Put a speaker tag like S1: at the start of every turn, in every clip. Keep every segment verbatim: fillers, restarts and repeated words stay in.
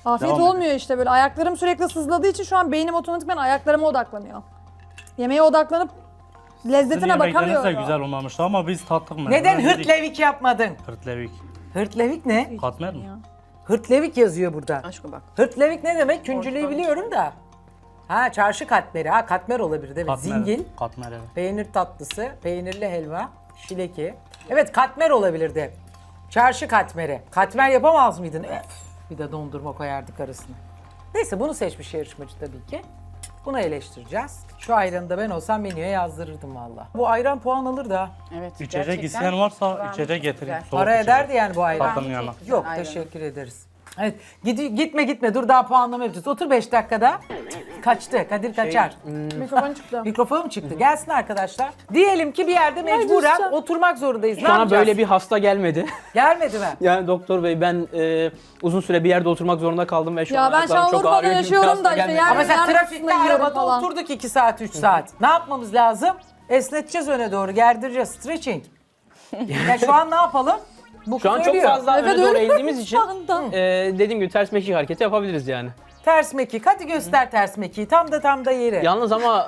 S1: Afiyet
S2: Devam
S1: olmuyor işte böyle. Ayaklarım sürekli sızladığı için şu an beynim otomatikman ayaklarıma odaklanıyor. Yemeğe odaklanıp lezzetine
S2: Sizin yemekleriniz
S1: bakamıyorum.
S2: de güzel olmamıştı ama biz tattık mı?
S3: Neden
S2: Öyle dedik.
S3: hırtlevik yapmadın?
S2: Hırtlevik.
S3: Hırtlevik ne?
S2: Katmer mi?
S3: Hırtlevik yazıyor burada.
S4: Aşkım bak.
S3: Hırtlevik ne demek? Küncülüğü biliyorum da. Ha çarşı katmeri. Ha katmer olabilir değil mi?
S2: Katmer.
S3: Zingil,
S2: Katmer evet.
S3: peynir tatlısı, peynirli helva, şileki. Evet katmer olabilirdi. Çarşı katmeri. Katmer yapamaz mıydın? Öf, bir de dondurma koyardık arasına. Neyse bunu seçmiş yarışmacı tabii ki. Bunu eleştireceğiz. Şu ayranı da ben olsam menüye yazdırırdım valla. Bu ayran puan alır da.
S4: Evet.
S2: İçecek
S4: gerçekten
S2: isteyen varsa
S4: ben-
S2: içecek getirin.
S4: Güzel.
S2: Soğuk
S3: Para
S2: içecek.
S3: ederdi yani bu ayran.
S2: Tatlının yanına.
S3: Yok
S4: Ayranı.
S3: teşekkür ederiz. Evet gidi- gitme gitme dur daha puanlama yapacağız. Otur beş dakikada. Kaçtı Kadir kaçar.
S1: Mikrofon çıktı.
S3: Mikrofon mu çıktı? Gelsin arkadaşlar. Diyelim ki bir yerde mecburen
S1: düşeceğim.
S3: oturmak zorundayız. Ne
S5: Bana
S3: yapacağız?
S5: böyle bir hasta gelmedi.
S3: Gelmedi mi?
S5: Yani doktor bey ben e, uzun süre bir yerde oturmak zorunda kaldım ve şu
S1: Ya
S5: an
S1: ben
S5: ayaklarım çok
S1: Şanlıurfa'da
S5: ağrıyor gibi bir
S1: yaşıyorum
S5: hasta
S1: da işte
S5: gelmedi.
S1: yani-
S3: Ama mesela
S1: yarın
S3: trafikte
S1: kısmı yiyorum
S3: arabada
S1: falan.
S3: oturduk iki saat üç saat. Ne yapmamız lazım? Esneteceğiz öne doğru gerdireceğiz. Stretching. Ya şu an ne yapalım? Bu
S5: Şu an çok
S3: söylüyor.
S5: fazla
S1: Evet,
S5: öne doğru
S1: öyle
S5: eğildiğimiz için
S1: şu anda.
S5: e, dediğim gibi ters mekik hareketi yapabiliriz yani.
S3: Ters mekik. Hadi göster ters mekiği. Tam da tam da yeri.
S5: Yalnız ama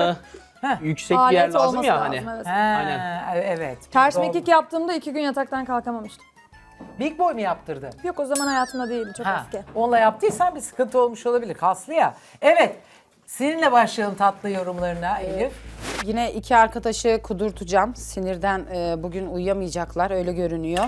S5: e, yüksek bir yer
S1: Alet
S5: lazım
S1: olması
S5: ya
S1: lazım,
S5: hani.
S1: evet.
S3: Ha,
S5: Aynen.
S3: evet.
S1: Ters
S3: Doğru.
S1: mekik yaptığımda iki gün yataktan kalkamamıştım.
S3: Big boy mu yaptırdı?
S1: Yok o zaman hayatımda değildi, çok
S3: Ha,
S1: eski.
S3: onunla yaptıysan bir sıkıntı olmuş olabilir. Kaslı ya. Evet. Seninle başlayalım tatlı yorumlarına Elif.
S4: Yine iki arkadaşı kudurtacağım. Sinirden e, bugün uyuyamayacaklar öyle görünüyor.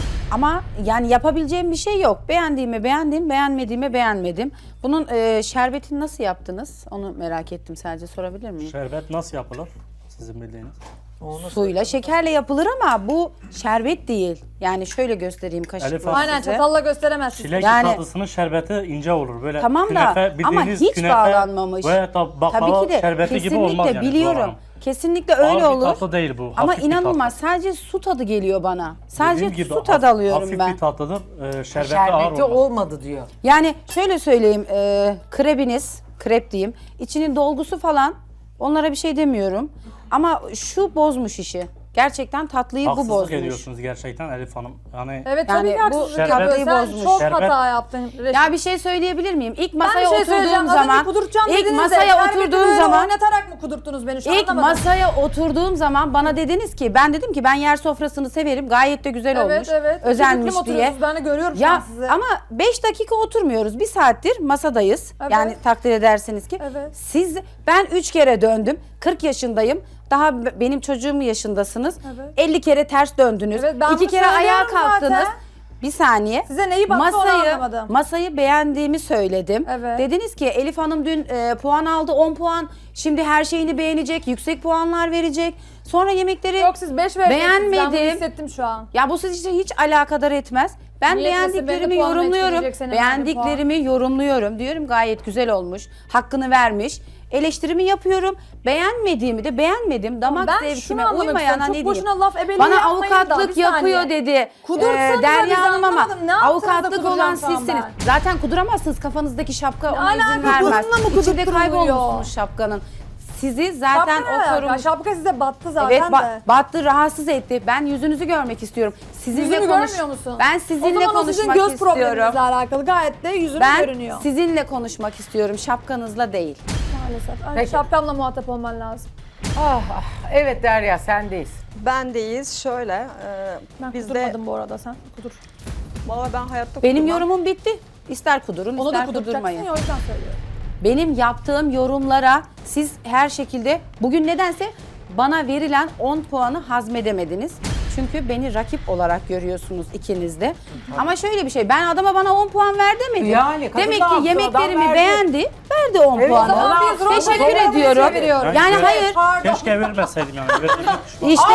S4: Ama yani yapabileceğim bir şey yok. Beğendiğime beğendim, beğenmediğime beğenmedim. Bunun e, şerbetini nasıl yaptınız? Onu merak ettim sadece, sorabilir miyim?
S2: Şerbet nasıl yapılır? Sizin bildiğiniz.
S3: Onu
S4: Suyla, şekerle yapılır ama bu şerbet değil. Yani şöyle göstereyim
S2: Elif
S4: kaşıkla
S2: Hanım.
S1: Aynen
S4: size.
S1: çatalla gösteremezsin.
S2: Çilek
S4: Yani-
S2: tatlısının şerbeti ince olur. Böyle
S4: Tamam da
S2: künefe,
S4: ama
S2: bildiğiniz
S4: hiç
S2: künefe
S4: bağlanmamış.
S2: Ve tab- baklava
S4: Tabii ki de
S2: şerbeti gibi olmaz
S4: kesinlikle
S2: yani.
S4: biliyorum.
S2: Zuhal Hanım.
S4: Kesinlikle
S2: Ağır
S4: öyle
S2: bir
S4: olur.
S2: tatlı değil bu.
S4: Ama
S2: hafif bir
S4: inanılmaz
S2: tatlı.
S4: sadece su tadı geliyor bana. Sadece
S2: Dediğim gibi
S4: su tadı
S2: haf-
S4: alıyorum
S2: hafif
S4: ben.
S2: bir tatlıdır. Ee, şerbeti, ağır
S3: şerbeti
S2: olmaz.
S3: olmadı diyor.
S4: Yani şöyle söyleyeyim, e, krebiniz, krep diyeyim, içinin dolgusu falan onlara bir şey demiyorum. Ama şu bozmuş işi. Gerçekten tatlıyı bu
S2: Haksızlık
S4: bozmuş.
S2: ediyorsunuz gerçekten Elif Hanım. Yani
S1: Evet
S4: Yani
S1: tabii ki
S4: bu
S1: haksızlık
S2: şerbet-
S1: yapıyorsun. Sen
S4: bozmuş.
S1: çok
S2: Şerbet-
S1: hata yaptın Reşit.
S4: Ya bir şey söyleyebilir miyim? İlk masaya
S1: bir şey söyleyeceğim.
S4: oturduğum
S1: Az önce
S4: zaman,
S1: kudurtacağım
S4: ilk
S1: dediniz de,
S4: masaya
S1: şerbeti
S4: oturduğum
S1: böyle
S4: zaman,
S1: oynatarak mı kudurttunuz beni şu
S4: ilk
S1: anlamadım.
S4: masaya oturduğum zaman bana dediniz ki, ben dedim ki ben yer sofrasını severim, gayet de güzel
S1: Evet
S4: olmuş,
S1: evet.
S4: özenmiş
S1: Küçüklüm
S4: diye.
S1: oturuyorsunuz, ben de görüyorum şu an
S4: Ya
S1: sizi.
S4: ama beş dakika oturmuyoruz. Bir saattir masadayız.
S1: Evet.
S4: Yani takdir edersiniz ki.
S1: Evet.
S4: Siz, ben üç kere döndüm. kırk yaşındayım. Daha b- benim çocuğum yaşındasınız.
S1: Evet.
S4: elli kere ters döndünüz.
S1: Evet, ben
S4: İki
S1: bunu
S4: kere ayağa
S1: söylüyorum
S4: kalktınız.
S1: zaten.
S4: Bir saniye.
S1: Size neyi baktı onu
S4: masayı,
S1: anlamadım.
S4: Masayı beğendiğimi söyledim.
S1: Evet.
S4: Dediniz ki Elif Hanım dün e, puan aldı, on puan. Şimdi her şeyini beğenecek, yüksek puanlar verecek. Sonra yemekleri
S1: Yok siz beş vereceksiniz. Ben bunu
S4: beğenmedim.
S1: hissettim şu an.
S4: Ya bu siz için hiç alakadar etmez. Ben
S1: Niye etmesin?
S4: beğendiklerimi
S1: Beni puanla
S4: yorumluyorum.
S1: etkileyecek senin
S4: Beğendiklerimi yorumluyorum. Diyorum gayet güzel olmuş. Hakkını vermiş. Eleştirimi yapıyorum. Beğenmediğimi de beğenmedim. Damak
S1: Ben
S4: zevkime
S1: şunu anlamak
S4: uymayana
S1: istiyorum.
S4: ne
S1: Çok
S4: diyeyim?
S1: boşuna laf ebeliği
S4: Bana
S1: yapmayın da,
S4: avukatlık
S1: bir saniye.
S4: yapıyor dedi.
S1: Kudurtsanıza biz
S4: Derya Hanım ama
S1: anlamadım. Ne yaptınız da
S4: avukatlık
S1: kuduracağım
S4: olan
S1: şu an
S4: sizsiniz.
S1: ben?
S4: Zaten kuduramazsınız, kafanızdaki şapka ona izin
S1: alaka?
S4: vermez.
S1: Bununla mı
S4: İçinde
S1: kudurtturuluyor?
S4: kaybolmuşsunuz şapkanın. Sizi zaten
S1: Şapka ne alaka?
S4: oturmuş.
S1: Şapka size battı zaten
S4: Evet ba-
S1: de.
S4: battı, rahatsız etti. Ben yüzünüzü görmek istiyorum. Sizinle
S1: Yüzümü
S4: konuş.
S1: görmüyor musun?
S4: Ben
S1: O
S4: sizinle
S1: zaman o sizin
S4: konuşmak
S1: göz
S4: istiyorum.
S1: probleminizle alakalı. Gayet de yüzünüz
S4: Ben
S1: görünüyor.
S4: sizinle konuşmak istiyorum, şapkanızla değil.
S1: Maalesef. Ay,
S3: Peki.
S1: şapkamla muhatap olman lazım.
S3: Ah, ah. Evet Derya sendeyiz.
S6: Bendeyiz. Şöyle, e,
S1: Ben
S6: bizde
S1: kudurmadım bu arada, sen kudur.
S6: valla ben hayatta
S4: Benim
S6: kudurmam.
S4: yorumum bitti. İster kudurun,
S1: Onu da
S4: ister
S1: kuduracaksın
S4: kudurmayın.
S1: ya, o yüzden söylüyorum.
S4: Benim yaptığım yorumlara siz her şekilde bugün nedense bana verilen on puanı hazmedemediniz. Çünkü beni rakip olarak görüyorsunuz ikiniz de. Ama şöyle bir şey, ben adama bana on puan ver demedim.
S3: Yani kadın
S4: Demek
S3: ne
S4: ki
S3: yaptı?
S4: yemeklerimi
S3: Adam verdi.
S4: beğendi, verdi on
S3: Evet,
S4: puanı.
S3: adam
S1: biz rol
S4: Teşekkür
S1: modelimizi
S4: ediyorum.
S1: çeviriyoruz.
S4: Yani
S2: Evet.
S4: hayır,
S1: Pardon.
S2: keşke vermeseydim yani. Verdiğime pişman.
S4: işte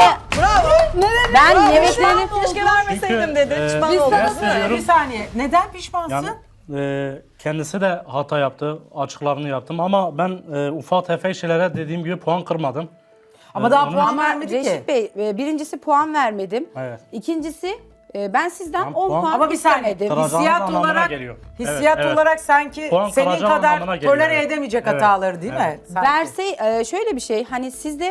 S4: ben yemeklerini...
S6: Keşke vermeseydim
S2: Çünkü,
S6: dedi.
S2: e,
S6: Pişman
S1: biz
S6: oldum.
S1: sana-
S2: Ben söylüyorum.
S3: Bir saniye. Neden pişmansın?
S2: Yani e, kendisi de hata yaptı. Açıklarını yaptım ama ben e, ufak tefek şeylere dediğim gibi puan kırmadım.
S3: Ama
S2: E,
S3: daha
S2: onun-
S3: puan
S4: Ama
S3: vermedi ki.
S4: Reşit Bey, e, birincisi puan vermedim.
S2: Evet.
S4: İkincisi e, ben sizden
S2: Tamam,
S4: on
S2: puan-
S4: puan
S3: Ama bir saniye.
S4: istemedim.
S2: Kıracağınız
S3: Hissiyat
S2: anlamına
S3: olarak,
S2: geliyor.
S3: hissiyat
S2: Evet, evet.
S3: olarak sanki
S2: Puan
S3: senin
S2: kıracağım
S3: kadar
S2: anlamına geliyor,
S3: tolere
S2: evet.
S3: edemeyecek
S2: Evet,
S3: hataları değil mi?
S2: evet.
S3: Sanki.
S4: Verse e, şöyle bir şey, hani siz de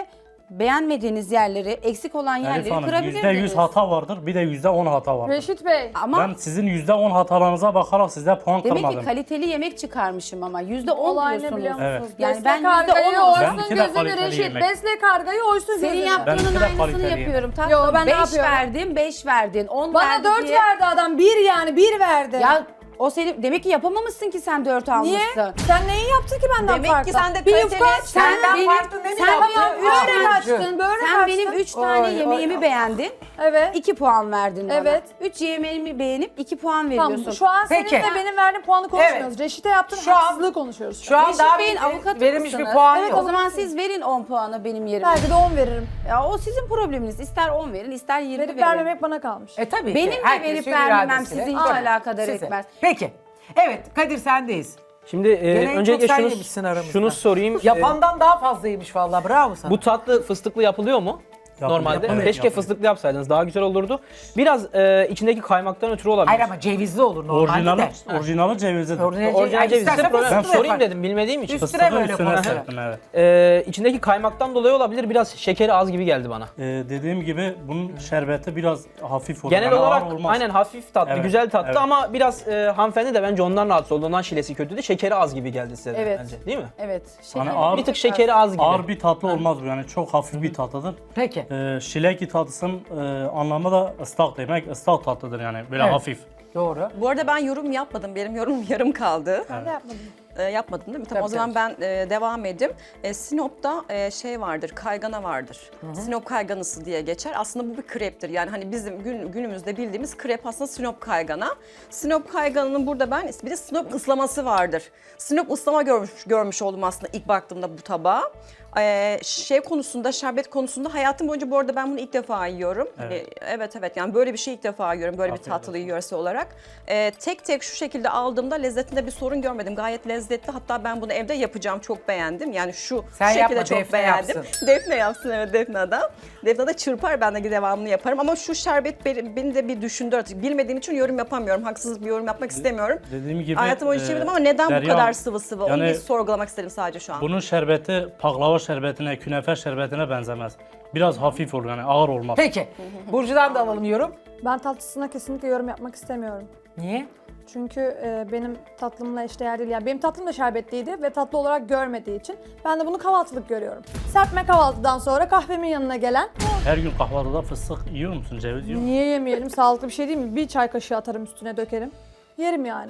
S4: beğenmediğiniz yerleri, eksik olan
S2: Elif
S4: yerleri
S2: Hanım
S4: kırabilirdiniz.
S2: yüzde yüz hata vardır, bir de yüzde on hata vardır.
S1: Reşit Bey.
S4: Ama
S2: Ben sizin yüzde on hatalarınıza bakarak size puan
S4: demek
S2: kırmadım.
S4: ki kaliteli yemek çıkarmışım ama yüzde on
S1: Olay ne
S4: diyorsunuz.
S1: biliyor musunuz?
S2: Evet.
S4: Yani
S1: Besle
S4: ben yüzde
S1: kargayı
S4: on olsam-
S2: Benimki
S1: oysun
S2: de
S1: gözünü
S2: kaliteli
S1: Reşit.
S2: yemek.
S1: Besle kargayı oysun
S4: Senin
S1: gözünü.
S4: yaptığının
S2: Benimki de
S4: aynısını
S2: kaliteli
S4: yapıyorum.
S2: yemek.
S4: Tatlım
S1: Yo, ben ne
S4: beş
S1: yapıyorum?
S4: verdim, beş verdin, on
S1: Bana
S4: verdi
S1: dört
S4: diye.
S1: verdi adam. Bir yani bir verdi.
S4: Ya o senin demek ki yapamamışsın ki sen dört
S1: Niye?
S4: almışsın.
S1: Sen neyi yaptın ki benden
S6: Demek
S1: farklı?
S6: ki sen de
S1: bir
S6: kaliteli-
S1: yufka aç.
S4: Sen
S3: Senden
S4: benim-
S3: farklı ne mi
S4: sen
S3: yaptın?
S4: benim üç
S1: Börek
S3: Aa,
S1: açtın, börek
S4: Sen
S1: açtın.
S4: benim üç tane
S3: Oy,
S4: yemeğimi
S3: oy.
S4: beğendin.
S1: Evet.
S4: iki puan verdin bana.
S1: Evet.
S4: üç yemeğimi beğenip iki puan veriyorsun.
S1: Tamam, şu an
S3: Peki.
S1: senin ve benim verdiğim puanı konuşmuyoruz.
S3: Evet.
S1: Reşit'e yaptığın
S3: Şu an-
S1: haksızlığı konuşuyoruz.
S3: Şu an
S4: Reşit
S3: daha
S4: Bey'in
S3: bir-
S4: avukatı
S3: verilmiş bir
S4: mısınız?
S3: puan
S1: Evet,
S3: yok.
S4: O zaman siz verin on puanı benim yerime.
S1: Belki de on veririm.
S4: Ya o sizin probleminiz. İster on verin, ister yirmi
S1: Verip
S4: verin.
S1: vermemek bana kalmış.
S3: E tabii
S4: Benim
S3: ki.
S4: de
S3: Herkesin
S4: verip vermemem
S3: iradesiyle.
S4: sizi hiç
S3: Tabii,
S4: alakadar
S3: size.
S4: etmez.
S3: Peki. Evet Kadir sendeyiz.
S5: Şimdi e,
S3: Gene en
S5: öncelikle
S3: çok sen
S5: şunu,
S3: yemişsin aramızda.
S5: şunu sorayım. E,
S3: Yapandan daha fazlaymış vallahi bravo sana.
S5: bu tatlı fıstıklı yapılıyor mu?
S2: Yapılıyor,
S5: Normalde.
S2: yapılıyor,
S5: Keşke
S2: yapılıyor.
S5: fıstıklı yapsaydınız daha güzel olurdu. Biraz e, içindeki kaymaktan ötürü olabilir.
S3: Hayır ama cevizli olur normalde
S2: Orijinali,
S3: de.
S2: orijinali cevizlidir.
S3: Orijinal,
S5: Orijinal ceviz ise
S3: İstersen
S5: problem. Ben
S3: fıstıklı
S5: sorayım
S3: yapar.
S5: dedim bilmediğim için.
S3: Üstüne
S2: Fıstığı
S3: böyle
S2: üstüne
S3: koyar.
S2: serptim, evet.
S5: E, içindeki kaymaktan dolayı olabilir. Biraz şekeri az gibi geldi bana.
S2: Ee, dediğim gibi bunun şerbeti biraz hafif olur.
S5: Genel
S2: Yani ağır
S5: olarak
S2: olmaz.
S5: aynen hafif tatlı,
S2: Evet,
S5: güzel tatlı
S2: evet.
S5: ama biraz e, hanımefendi de bence ondan rahatsız oldu. Ondan şilesi kötüydü. Şekeri az gibi geldi size de
S4: Evet.
S5: bence. Değil mi?
S4: Evet.
S2: Hani
S4: şeker-
S2: ağır-
S5: Bir tık şekeri az gibi.
S2: Ağır bir tatlı olmaz bu, yani çok hafif bir tatlıdır.
S3: Peki.
S2: Ee, şileki tatlısının e, anlamı da ıslak demek. Islak tatlıdır yani böyle
S3: Evet.
S2: hafif.
S3: Doğru.
S6: Bu arada ben yorum yapmadım. Benim yorumum yarım kaldı.
S1: Ben de yapmadım.
S6: Ee, yapmadın değil mi? Tamam,
S3: Tabii,
S6: o zaman ben e, devam edeyim. E, Sinop'ta e, şey vardır, kaygana vardır. Sinop kayganısı diye geçer. Aslında bu bir kreptir. Yani hani bizim gün, günümüzde bildiğimiz krep aslında Sinop kaygana. Sinop kayganının burada ben bir de Sinop ıslaması vardır. Sinop ıslama görmüş, görmüş oldum aslında ilk baktığımda bu tabağa. Ee, şey konusunda, şerbet konusunda hayatım boyunca bu arada ben bunu ilk defa yiyorum.
S2: Evet.
S6: Ee, evet evet yani böyle bir şey ilk defa yiyorum. Böyle
S2: Afiyet
S6: bir tatlıyı
S2: olsun.
S6: yöresi olarak. Ee, tek tek şu şekilde aldığımda lezzetinde bir sorun görmedim. Gayet lezzetli. Hatta ben bunu evde yapacağım. Çok beğendim. Yani şu,
S3: Sen
S6: şu şekilde
S3: yapma,
S6: çok
S3: Defne
S6: beğendim.
S3: yapsın.
S6: Defne yapsın, evet, Defne adam. Defne de çırpar, ben de devamını yaparım. Ama şu şerbet beni, beni de bir düşündü artık. Bilmediğim için yorum yapamıyorum. Haksız bir yorum yapmak istemiyorum.
S2: Dediğim gibi
S6: Hayatım boyunca
S2: e,
S6: çevirdim ama neden bu
S2: Derya,
S6: kadar sıvı sıvı? Onu
S2: yani
S6: bir sorgulamak istedim sadece şu an.
S2: bunun şerbeti baklava şerbetine, künefe şerbetine benzemez. Biraz hafif olur yani ağır olmaz.
S3: Peki. Burcu'dan da alalım yorum.
S1: Ben tatlısına kesinlikle yorum yapmak istemiyorum.
S3: Niye?
S1: Çünkü e, benim tatlımla eşdeğer değil. Yani benim tatlım da şerbetliydi ve tatlı olarak görmediği için ben de bunu kahvaltılık görüyorum. Serpme kahvaltıdan sonra kahvemin yanına gelen
S2: Her gün kahvaltıda fıstık yiyor musun, ceviz yiyor musun?
S1: niye yemeyelim, sağlıklı bir şey değil mi? Bir çay kaşığı atarım üstüne dökerim. Yerim yani.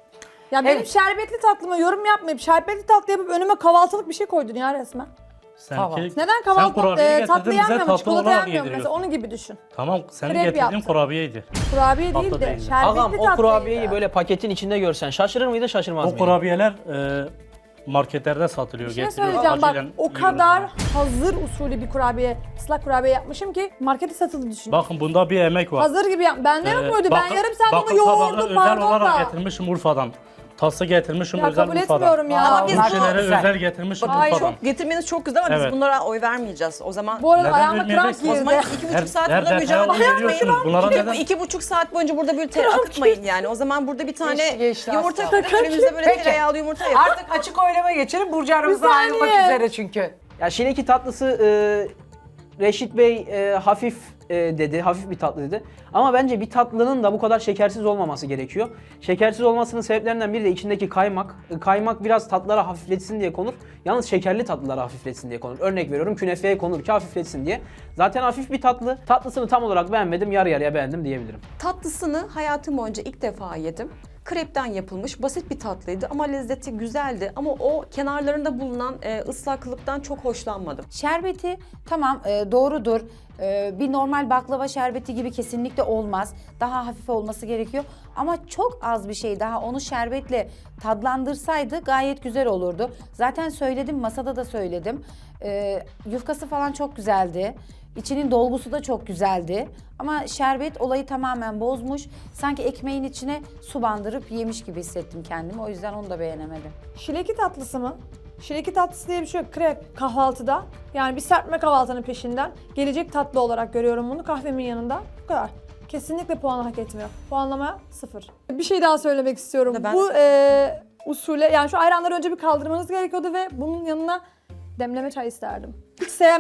S1: Ya benim
S3: Evet.
S1: şerbetli tatlıma yorum yapmayıp şerbetli tatlı yapıp önüme kahvaltılık bir şey koydun ya resmen.
S2: Sen
S3: Kahvaltı.
S2: ki-
S1: Neden
S2: sen
S1: kahvaltı
S2: kurabiye
S1: e,
S2: getirdin,
S1: tatlı
S2: bize
S1: yenmiyor mu?
S2: tatlı
S1: Çikolata
S2: olarak
S1: yenmiyor mu? Mesela
S2: yediriyorsun.
S1: onun gibi düşün.
S2: Tamam, senin
S1: Krep
S2: getirdiğin
S1: yaptım.
S2: kurabiyeydi.
S1: Kurabiye
S2: Tatlı
S1: değil de
S2: değildi.
S1: şerbetli
S5: Ağam o
S1: tatlıydı.
S5: kurabiyeyi böyle paketin içinde görsen şaşırır mıydın şaşırmaz
S2: O
S5: mıydın?
S2: kurabiyeler e, marketlerde satılıyor.
S1: Bir şey
S2: getiriyor,
S1: söyleyeceğim bak,
S2: acilen
S1: o
S2: yiyoruz
S1: kadar
S2: yani.
S1: hazır usulü bir kurabiye, ıslak kurabiye yapmışım ki markete satıldı düşün.
S2: Bakın bunda bir emek var.
S1: Hazır gibi yap. Bende yok
S2: Ee,
S1: muydu? Ben
S2: bakın-
S1: yarım saat
S2: bakın
S1: onu
S2: tabağı
S1: yoğurdum
S2: özel
S1: pardon
S2: olarak
S1: da.
S2: getirmişim Urfa'dan. Tası getirmişim
S1: Ya
S2: özel
S1: kabul
S2: Urfa'dan.
S1: etmiyorum ya.
S3: Ama biz
S6: bunu-
S2: Şeyleri
S3: Güzel.
S2: özel getirmişim
S1: Ay,
S2: Urfa'dan.
S6: Çok getirmeniz çok güzel ama
S2: Evet.
S6: biz bunlara oy vermeyeceğiz. O zaman
S1: Bu arada
S2: Neden
S1: ayağıma kramp
S2: vermeyeceksin?
S6: o zaman
S1: girdi.
S6: iki
S2: Her-
S6: buçuk saat
S2: her
S6: burada
S2: detaya
S6: mücadele
S2: oy veriyorsunuz. Bunlara
S6: İki,
S2: neden?
S6: iki buçuk saat boyunca burada bir tere akıtmayın yani. O zaman burada bir tane
S3: Geçti, geçti,
S6: yumurta
S3: asla.
S6: kırın, önümüze böyle
S3: Peki.
S6: tereyağlı yumurta yapın.
S3: Artık açık oylama geçelim. Burcu aramızdan
S1: Bir
S3: ayrılmak
S1: saniye.
S3: üzere çünkü.
S5: Ya şileki tatlısı e, Reşit Bey e, hafif e, dedi, hafif bir tatlı dedi. Ama bence bir tatlının da bu kadar şekersiz olmaması gerekiyor. Şekersiz olmasının sebeplerinden biri de içindeki kaymak. E, Kaymak biraz tatlılara hafifletsin diye konur. Yalnız şekerli tatlılara hafifletsin diye konur. Örnek veriyorum künefeye konur ki hafifletsin diye. Zaten hafif bir tatlı. Tatlısını tam olarak beğenmedim, yarı yarıya beğendim diyebilirim.
S6: Tatlısını hayatım boyunca ilk defa yedim. Krepten yapılmış basit bir tatlıydı ama lezzeti güzeldi. Ama o kenarlarında bulunan e, ıslaklıktan çok hoşlanmadım.
S4: Şerbeti tamam e, doğrudur. E, bir normal baklava şerbeti gibi kesinlikle olmaz. Daha hafif olması gerekiyor. Ama çok az bir şey daha onu şerbetle tadlandırsaydı gayet güzel olurdu. Zaten söyledim, masada da söyledim. E, yufkası falan çok güzeldi. İçinin dolgusu da çok güzeldi. Ama şerbet olayı tamamen bozmuş. Sanki ekmeğin içine su bandırıp yemiş gibi hissettim kendimi. O yüzden onu da beğenemedim.
S1: Şileki tatlısı mı? Şileki tatlısı diye bir şey yok. Krep kahvaltıda. Yani bir serpme kahvaltının peşinden gelecek tatlı olarak görüyorum bunu kahvemin yanında. Bu kadar. Kesinlikle puanı hak etmiyor. Puanlama sıfır. Bir şey daha söylemek istiyorum.
S6: Ben-
S1: Bu e, usule yani şu ayranları önce bir kaldırmanız gerekiyordu ve bunun yanına demleme çay isterdim. Hiç sevmem.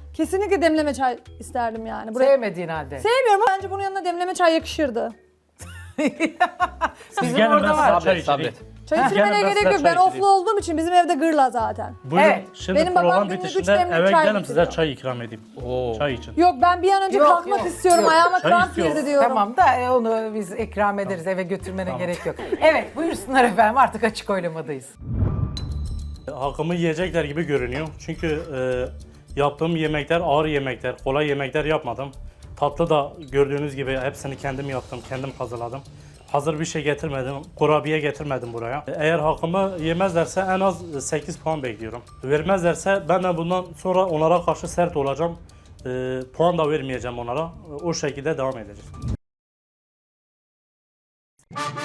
S1: Kesinlikle demleme çay isterdim yani. Buraya...
S3: Sevmediğin halde.
S1: Sevmiyorum ama bence bunun yanına demleme çay yakışırdı.
S2: Siz
S3: Bizim
S2: gelin
S3: orada
S2: ben
S3: var.
S2: size çay
S5: Sabret,
S2: içireyim.
S5: sabret.
S1: Çay
S2: Heh.
S1: içirmene
S2: Gelin ben
S1: gerek
S2: size
S1: yok.
S2: çay
S1: Ben oflu
S2: içireyim.
S1: olduğum için bizim evde gırla zaten.
S2: Buyurun.
S3: Evet.
S2: Şimdi
S1: Benim babam
S2: program
S1: günlük üç
S2: bitişinde
S1: demlik
S2: eve
S1: çay
S2: gelin size
S1: getiriyor.
S2: çay ikram edeyim.
S5: Oo.
S2: Çay için.
S1: Yok ben bir an önce
S3: Yok,
S1: kalkmak
S3: yok,
S1: istiyorum.
S3: yok.
S1: Ayağıma
S2: Çay
S1: kramp
S2: istiyor.
S1: girdi diyorum.
S3: Tamam da e, onu biz ikram ederiz. Eve götürmene gerek yok. Evet buyursunlar efendim artık açık oylamadayız.
S2: Hakkımı yiyecekler gibi görünüyor. Çünkü e, yaptığım yemekler ağır yemekler, kolay yemekler yapmadım. Tatlı da gördüğünüz gibi hepsini kendim yaptım, kendim hazırladım. Hazır bir şey getirmedim, kurabiye getirmedim buraya. Eğer hakkımı yemezlerse en az sekiz puan bekliyorum. Vermezlerse ben de bundan sonra onlara karşı sert olacağım. E, puan da vermeyeceğim onlara. O şekilde devam edeceğiz.